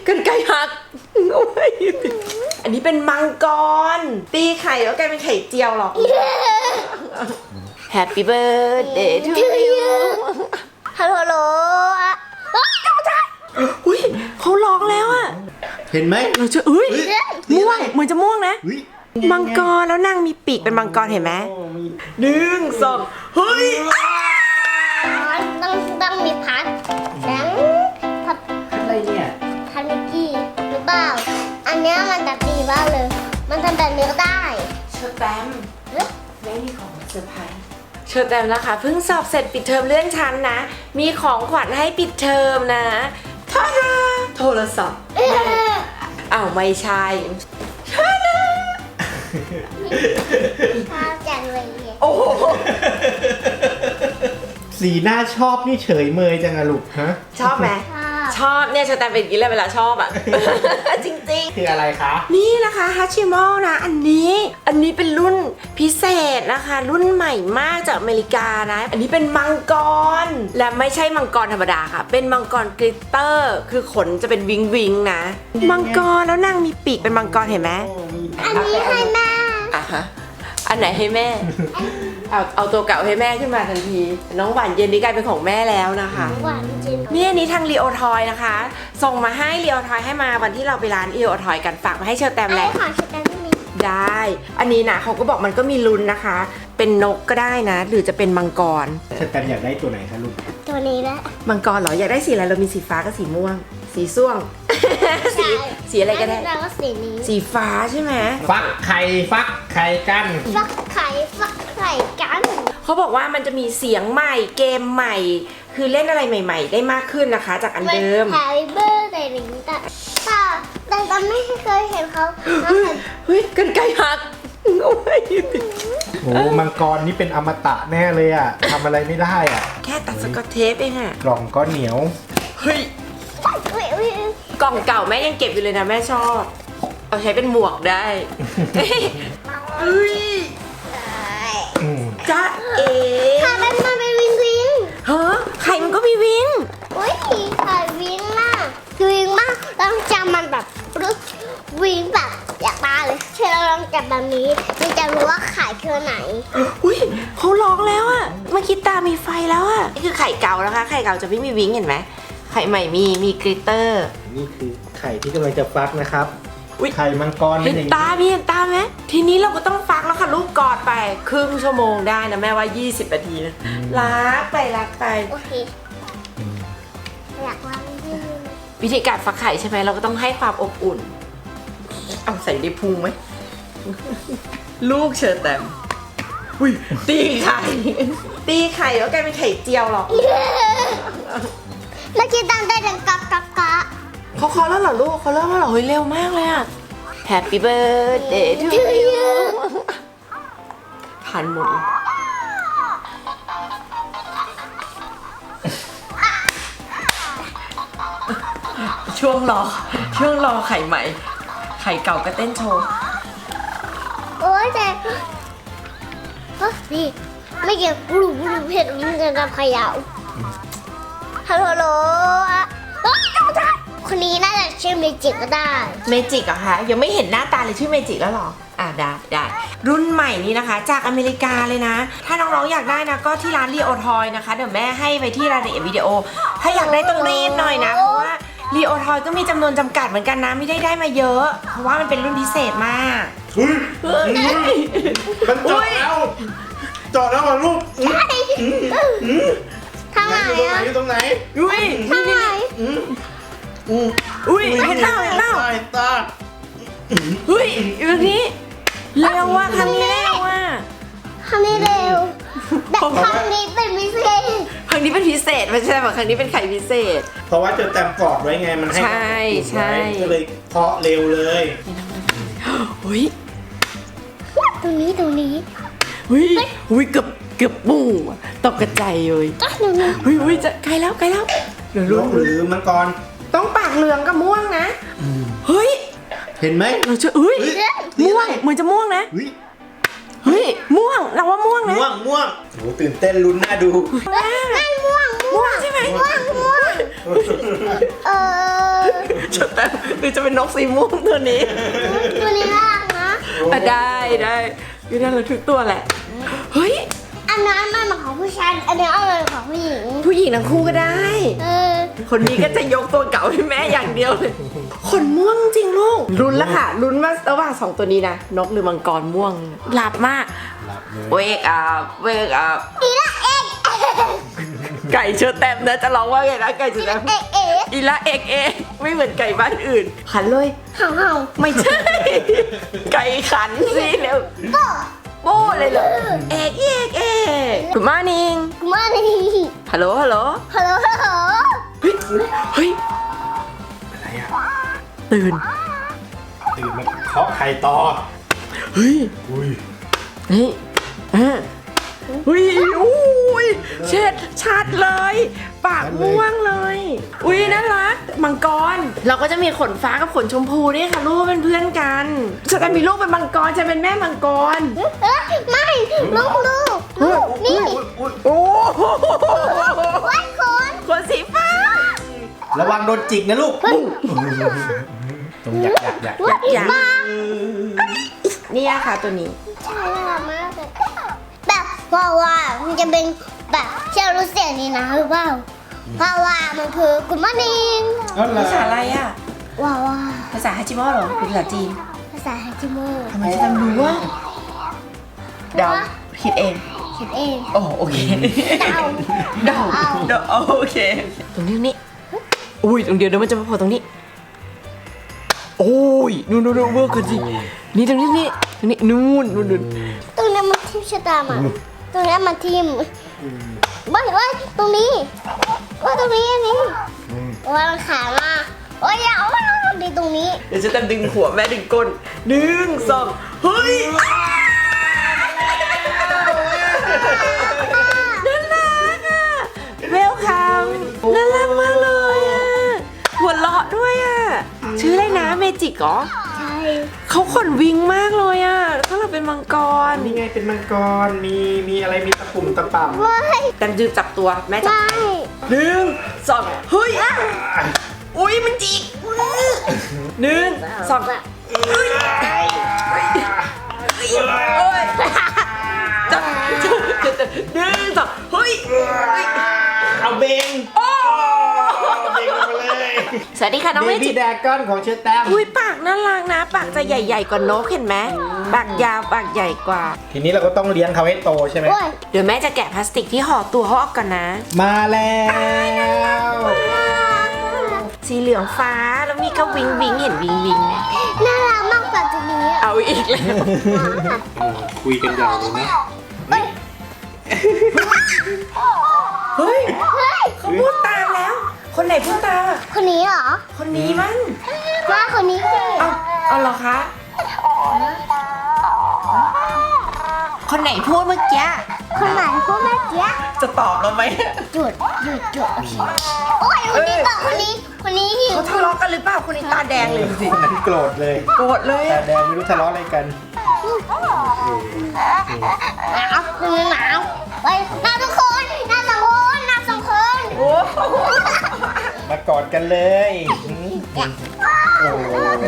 กันไก่หักโอ้ยอันนี้เป็นมังกรตีไข่แล้วกลายเป็นไข่เจียวหรอก Happy birthday to you ฮัลโหลอ่ะอุ้ยเขาร้องแล้วอะเห็นไหมเราจะม่วงเหมือนจะม่วงนะอุ๊ยมังกรแล้วนางมีปีกเป็นมังกรเห็นไหมหนึ่งสองเฮ้ยต้องมีพัดแล้วพัดอะไรเนี่ยพัดมิกกี้หรือเปล่าอันเนี้ยมันจะตีบ้าเลยมันทำแบบนี้ก็ได้เชอร์แตมไม่มีของเซอร์ไพรส์เชอร์แตมนะคะเพิ่งสอบเสร็จปิดเทอมเลื่อนชั้นนะมีของขวัญให้ปิดเทอมนะท่าดาโทรศัพท์อ้าวไม่ใช่ท่าดาชอบจังเลยโอ้โหสีหน้าชอบนี่เฉยเมยจังอะลูกฮะชอบไหมชอบเนี่ยเชอร์แตมเป็นอย่างนี้เลยเวลาชอบอ่ะ จริงๆคืออะไรคะนี่นะคะฮัชิมอลนะอันนี้เป็นรุ่นพิเศษนะคะรุ่นใหม่มากจากอเมริกานะอันนี้เป็นมังกรและไม่ใช่มังกรธรรมดาค่ะเป็นมังกรกลิตเตอร์คือขนจะเป็นวิงวิงนะมังกรแล้วนางมีปีกเป็นมังกรเห็นไหมอันนี้ให้แม่อ่ะฮะอันไหนให้แม่ เอาตัวเก่าให้แม่ขึ้นมาทันทีน้องหวานเย็นนี้กลายเป็นของแม่แล้วนะคะหวานจริงนี่อันนี้ทางรีโอทอยนะคะ ส่งมาให้รีโอทอยให้มาวันที่เราไปร้านรีโอทอยกันฝากมาให้เชอร์แตมแหละขอชุดนั้นมีได้ อันนี้นะเขาก็บอกมันก็มีลุ้นนะคะ เป็นนกก็ได้นะ หรือจะเป็นมังกรเชอร์แตมอยากได้ตัวไหนคะลูกตัวนี้แหละมังกรเหรอ อยากได้สีอะไร เรามีสีฟ้ากับสีม่วง สีส้วง สีอะไรก็ได้แล้วก็สีนี้สีฟ้าใช่ไหมฟักไข่กันฟักไข่กันเขาบอกว่ามันจะมีเสียงใหม่ เกมใหม่ คือเล่นอะไรใหม่ ๆ ได้มากขึ้นนะคะ จากอันเดิมแฮร์รี่เบอร์แต่หนึ่งแต่ไม่เคยเห็นเขาเฮ้ยกันไก่หักโอ้ยโอ้มังกรนี่เป็นอมตะแน่เลยอะทำอะไรไม่ได้อะแค่ตัดสกอตเทปเองอะกล่องก็เหนียวเฮ้ย กล่องเก่าแม่ยังเก็บอยู่เลยนะแม่ชอบ เอาใช้เป็นหมวกได้เฮ้ยอืมจ๊ะเอ๋ค่ะมันเป็นวิงเฮ้อไข่มันก็มีวิงอุ้ยไข่วิงมากวิงมากต้องจำมันแบบรู้วิงแบบอยากมาเลยเชื่อเราลองจับแบบนี้มันจะรู้ว่าไข่คือไหนอุ้ยเขาร้องแล้วอะเมื่อกี้ตามีไฟแล้วอะนี่คือไข่เก่านะคะ ไข่เก่าจะไม่มีวิงเห็นไหมไข่ใหม่มีกลิตเตอร์นี่คือไข่ที่กำลังจะฟักนะครับอุ๊ยไข่มังกรเห็เป็นนอย่างตาเห็นตาไหมทีนี้เราก็ต้องฟักแล้วค่ะลูกกอดไปครึ่งชั่วโมงได้นะแม่ว่า20 นาทีนะรักไปโอเคอยากวางที่วิธีการฟักไข่ใช่ไหมเราก็ต้องให้ความอบอุ่น เอาใส่ในพุงไหม ลูกเชิญแต้มอุ้ยตีไข่ตีไข่แล้วกลายเป็นไข่เจียวหรอกแล้วคิดตังได้ดังกะกะกะเขาเคาะแล้วเหรอลูกเขาเริ่มแล้วเหรอเฮ้ยเร็วมากเลยอะ Happy birthday to you ทันหมดเลยช่วงรอไข่ใหม่ ไข่เก่าก็เต้นโชว์โอ้ยแต่นี่ไม่เกี่ยวกลุ่มเผ็ดมันจะทำขยาวฮัลโหลอ่ะคนนี้น่าจะชื่อเมจิกก็ได้เมจิกเหรอคะยังไม่เห็นหน้าตาเลยชื่อเมจิกแล้วเหรอได้รุ่นใหม่นี้นะคะ จากอเมริกาเลยนะ ถ้าน้องๆอยากได้นะก็ที่ร้านรีโอทอยนะคะเดี๋ยวแม่ให้ไปที่รายละเอียดวิดีโอ ถ้าอยากได้ต้องรีบหน่อยนะเพราะว่ารีโอทอยก็มีจำนวนจำกัดเหมือนกันนะไม่ได้มาเยอะ เพราะว่ามันเป็นรุ่นพิเศษมากมันเจาะแล้วเหรอลูกทางไหนอ่ะอยู่ตรงไหนอุ้ยทางไหนอุ้ยเห็นเปล่าตาเฮ้ยอยู่ตรงนี้เร็วว่ะครั้งนี้เร็วว่ะทำได้เร็วแต่ครั้งนี้เป็นพิเศษครั้งนี้เป็นพิเศษไม่ใช่แบบครั้งนี้เป็นไข่พิเศษเพราะว่าจะแต้มกอดไว้ไงมันให้ใช่ใช่ก็เลยเคาะเร็วเลยอุ้ยตรงนี้อุ้ยเกือบปูตกกระจายเลยก็ตรงนี้อุ้ยจะใกล้แล้วเดี๋ยวนกหรือมังกรต้องปากเหลืองกับม่วงนะเฮ้ยเห็นไหมเราจะม่วงเหมือนจะม่วงนะ เฮ้ยม่วงเราว่าม่วงนะม่วงโหตื่นเต้นลุ้นน่าดูไม่ม่วงม่วงใช่ไหมเออจะแต่หรือจะเป็นนกสีม่วงตัวนี้ตัวนี้น่ารักนะอ่ะได้คือน่ารักทุกตัวแหละเฮ้ยอันนั้นมันของผู้ชายอันนี้เอาเลยของผู้หญิงผู้หญิงทั้งคู่ก็ได้เออคนนี้ก็จะยกตัวเก่าให้แม่อย่างเดียวเลยขนม่วงจริงลูกลุ้นแล้วค่ะลุ้นว่าระหว่างสองตัวนี้นะนกหรือมังกรม่วงหลับมากหลับเลย wake up wake up อีละเอกไก่เชอแตมนะจะร้องว่าไงนะไก่เชอแตมเอกเอกอีละเอกเอกไม่เหมือนไก่บ้านอื่นขันเลยเห่าเห่าไม่ใช่ ไก่ขันสิเร็วก็โบ้เลยเหรอเอกเอกเอก Good morning มานี่ฮัลโหลฮัลโหลฮัลโหลฮัลโหลเฮ้ยเฮ้ยอะไรอ่ะตื่นตื่นมาเคาะไข่ต่อเฮ้ยอุ้ยเฮ้ยอุ้ยอุ้ยเช็ดชัดเลย ปากม่วงเลย อุ้ยน่ารักมังกร เราก็จะมีขนฟ้ากับขนชมพูด้วยค่ะลูกเป็นเพื่อนกันฉันมีลูกเป็นมังกรฉันเป็นแม่มังกรไม่ลูกนี่โอ้โหวัดคนขนสีฟ้าระวังโดนจิกนะลูกตรงอยากอย่างนี่ค่ะตัวนี้ใช่น่ารักมากเลยแบบว่ามันจะเป็นแบบเชื่อรู้เสียงนี้นะหรือเปล่าเพราะว่ามันคือกุมานิงอ๋อเหรอภาษาอะไรอ่ะว่าภาษาฮัจิมอเหรอหรือภาษาจีนภาษาฮัจิโมทำไมจะจำรู้ว่าเดาคิดเองคิดเองโอ้โอเคเดาเดาโอเค ตรงนี้อุ้ยตรงเดียวเดี๋ยวมันจะมาพอตรงนี้ โอ้ยนู่นเวิร์กกันสินี่ตรงนี้นู่นตรงนี้มันทิมชะตามาตรงนี้มันทิมว่าตรงนี้ว่าตรงนี้อันนี้ว่ามันขามาโอ้ยอย่าว่าดีตรงนี้เดี๋ยวจะดึงหัวแม่ดึงก้น1 2เฮ้ยน่ารักอ่ะเวลคัมน่ารักมากเลยอ่ะหัวเราะด้วยอ่ะชื่ออะไรนะเมจิกเหรอใช่เขาขนวิงมากเลยอ่ะถ้าเราเป็นมังกรนี่ไงเป็นมังกรมีอะไรมีตะปุ่มตะป่ำไม่แต่จืบจับตัวแม่จับไม่ 1 2เฮ้ยอุ้ยมันจิก1 2เฮ้ยโอ้ยจับ1 2เฮ้ยเอาเบงโอ้เบงลงมาเลยสวัสดีค่ะน้องเบเมจิบี้แดกอนของเชอร์แตมอุ้ยปากน่ารักนะ ปากจะใหญ่ๆกว่านกเห็นไหมปากยาวปากใหญ่กว่าทีนี้เราก็ต้องเลี้ยงเขาให้โตใช่ไหมโอ้ยเดี๋ยวแม่จะแกะพลาสติกที่ห่อตัวเขาออกก่อนนะมาแล้วสีเหลืองฟ้าแล้วมีก็วิงวิงเห็นวิงวิงไหมน่ารักมากกว่าตัวนี้เอาอีกแล้วคุยกันยาวเลยนะเฮ้ยเฮ้ยเขาพูดตามแล้ว คนไหนพูดตามอะคนนี้เหรอคนนี้มั้งว่าคนนี้สิเอาเหรอคะ คนไหนพูดเมื่อกี้คนไหนพวกแม่เจี๊ยบจะตอบเราไหมหยุดโอเคโอ้ยคนนี้ต่อคนนี้หิวเขาทะเลาะกันหรือเปล่าคนนี้ตาแดงเลยสิคนนั้นโกรธเลยโกรธเลยแต่อะแดงไม่รู้ทะเลาะอะไรกันหนาวคนนี้หนาวไปหน้าสองคนหน้าสองคนโอ้มากอดกันเลยโอ้โห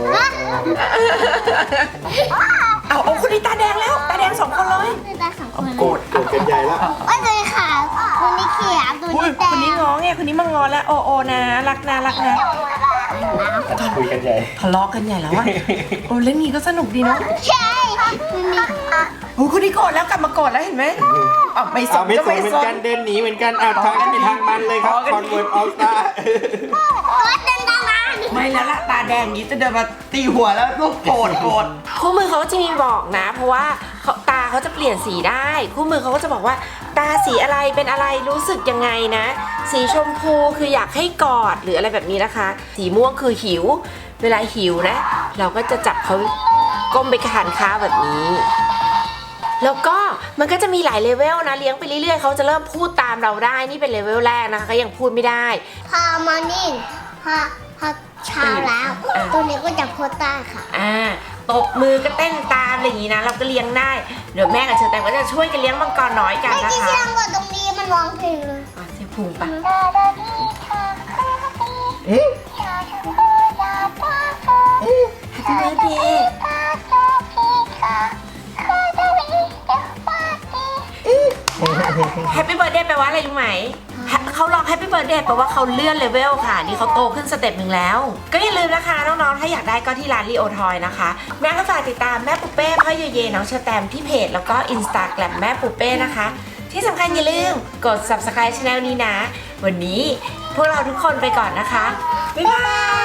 เอาคนนี้ตาแดงแล้วตาแดง2 คนเลยหน้าสองคนโกรธกันใหญ่แล้วว่าตัวนี้ขาวตัวนี้เขียวตัวอุ้ยนี้แดคนนี้งง้อไงคนนี้มางอแล้วโอนะรักนะคุยกันใหญ่ทะเลาะกันใหญ่แล้วอะโอ้เล่นนี้ก็สนุกดีเนาะใช่ตัวนี้โอ้คนนี้โกรธแล้วกลับมาโกรธแล้วเห็นไหมอ๋อไม่สเอานไม่ก็สนไม่เหมือสนกัน นเดินหนีเหมือนกันทางกันเป็นทางมันเลยครับคอนเวิร์ตออลสตาร์ก็เดินตามมาไม่แล้วละตาแดงนี้จะเดินมาตีหัวแล้วลูกโกรธคู่มือเขาก็จะมีบอกนะ เพราะว่าตาเขาจะเปลี่ยนสีได้คู่มือเขาก็จะบอกว่า ตาสีอะไรเป็นอะไรรู้สึกยังไงนะ สีชมพูคืออยากให้กอดหรืออะไรแบบนี้นะคะ สีม่วงคือหิว เวลาหิวนะ เราก็จะจับเขาก้มไปทานข้าวแบบนี้ แล้วก็มันก็จะมีหลายเลเวลนะเลี้ยงไปเรื่อยๆเขาจะเริ่มพูดตามเราได้นี่เป็นเลเวลแรกนะคะก็ยังพูดไม่ได้พอมอร์นิ่งพอเช้าแล้ว ตัวนี้ก็จะโพสต์ได้ค่ะตบมือก็เต้นตามอะไรอย่างนี้นะเราก็เลี้ยงได้เดี๋ยวแม่กับเชอแตมก็จะช่วยกันเลี้ยงมังกรน้อยกันไม่นะกี่คะเชื่องกว่าตรงนี้มันร้องเพลงเลยเสียพุงปะ Happy Birthday แฮปปี้เบิร์ดเดย์แปลว่าอะไรรู้ไหมเขาร้องแฮปปี้เบิร์ดเดย์แปลว่าเขาเลื่อนเลเวลค่ะ นี่เขาโตขึ้นสเต็ปหนึ่งแล้ว ก็อย่าลืมนะคะน้องๆถ้าอยากได้ก็ที่ร้านลีโอทอยนะคะ แม่ก็ฝากติดตามแม่ปูเป้พ่อเยเยน้องเชอร์แตมที่เพจแล้วก็ Instagram แม่ปูเป้นะคะ ที่สำคัญอย่าลืมกด subscribe channel นี้นะ วันนี้พวกเราทุกคนไปก่อนนะคะบ๊ายบาย